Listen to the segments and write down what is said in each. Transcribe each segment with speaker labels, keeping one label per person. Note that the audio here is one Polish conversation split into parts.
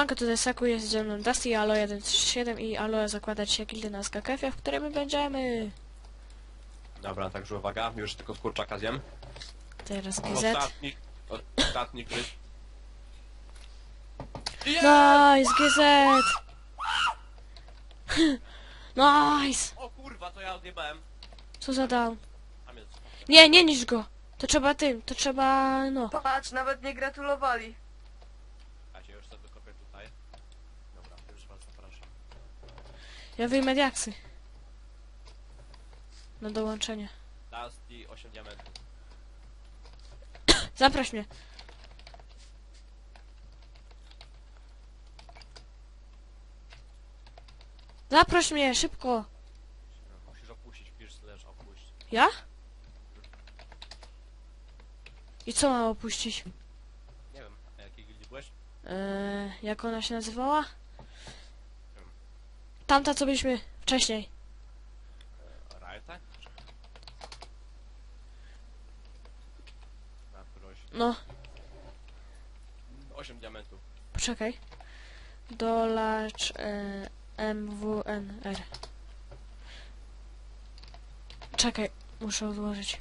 Speaker 1: Siemanko, tutaj Saku, jest ze mną Dusty, Alo 137 i Alo zakładać się gildy na SKKF, w której my będziemy.
Speaker 2: Dobra, także uwaga, już tylko z kurczaka zjem.
Speaker 1: Teraz GZ.
Speaker 2: Ostatni gryz.
Speaker 1: Nice, GZ! Nice!
Speaker 2: O kurwa, to ja odjebałem.
Speaker 1: Co za down?
Speaker 2: Tam jest.
Speaker 1: Nie, nie niż go! To trzeba to trzeba, no.
Speaker 3: Patrz, nawet nie gratulowali.
Speaker 2: Ja cię już sobie kopię tutaj. Dobra, już was zapraszam.
Speaker 1: Ja wyjmę diaksy. Na dołączenie.
Speaker 2: Dusty 8 diamentów.
Speaker 1: Zaproś mnie. Zaproś mnie, szybko!
Speaker 2: Musisz opuścić, pisz slash opuść.
Speaker 1: Ja? I co mam opuścić?
Speaker 2: Nie wiem, a jakiej gildii byłeś?
Speaker 1: Jak ona się nazywała? Tamta, co byliśmy wcześniej.
Speaker 2: Riota? Proś.
Speaker 1: No,
Speaker 2: 8 diamentów.
Speaker 1: poczekaj. Dolacz MWNR. Czekaj, muszę odłożyć.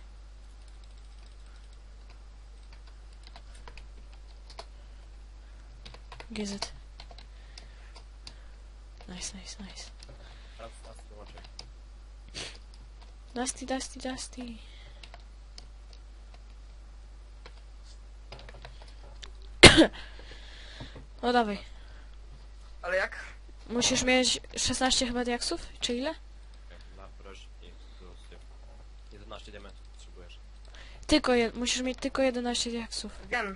Speaker 1: GZ. Nice, nice, nice.
Speaker 2: Teraz Dusty dołączaj.
Speaker 1: Dusty, Dusty, Dusty. No dawaj.
Speaker 3: Ale jak?
Speaker 1: Musisz mieć 16 chyba diaksów? Czy ile?
Speaker 2: Na proś i ekskluzyw. 11 diamentów potrzebujesz.
Speaker 1: Musisz mieć tylko 11 diaksów.
Speaker 3: Wiem.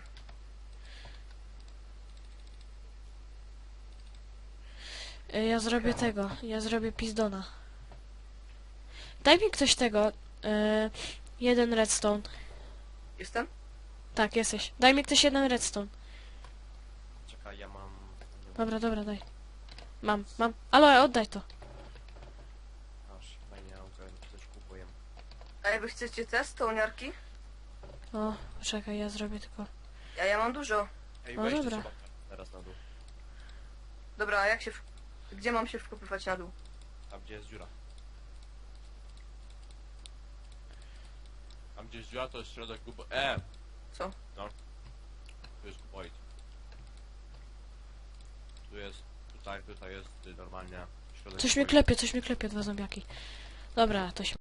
Speaker 1: Ja zrobię tego. Ja zrobię pizdona. Daj mi ktoś tego. Jeden redstone.
Speaker 3: Jestem?
Speaker 1: Tak, jesteś. Daj mi ktoś jeden redstone.
Speaker 2: Czekaj, ja mam...
Speaker 1: Dobra, dobra, daj. Mam. Alo, oddaj to.
Speaker 2: Aż fajnie, coś kupuję.
Speaker 3: A wy chcecie te stołniarki?
Speaker 1: O, czekaj, ja zrobię tylko.
Speaker 3: Ja mam dużo.
Speaker 2: Ej,
Speaker 1: No
Speaker 2: weź
Speaker 1: dobra.
Speaker 2: trzeba teraz na dół.
Speaker 3: Dobra, a jak się... Gdzie mam się wkopywać na dół?
Speaker 2: Tam gdzie jest dziura. Tam gdzie jest dziura to jest środek kubo...
Speaker 3: Co?
Speaker 2: No. Tu jest kuboid. Tu jest... Tutaj jest normalnie środek
Speaker 1: Coś mnie
Speaker 2: kuboid.
Speaker 1: klepie, dwa zombiaki. Dobra, to się...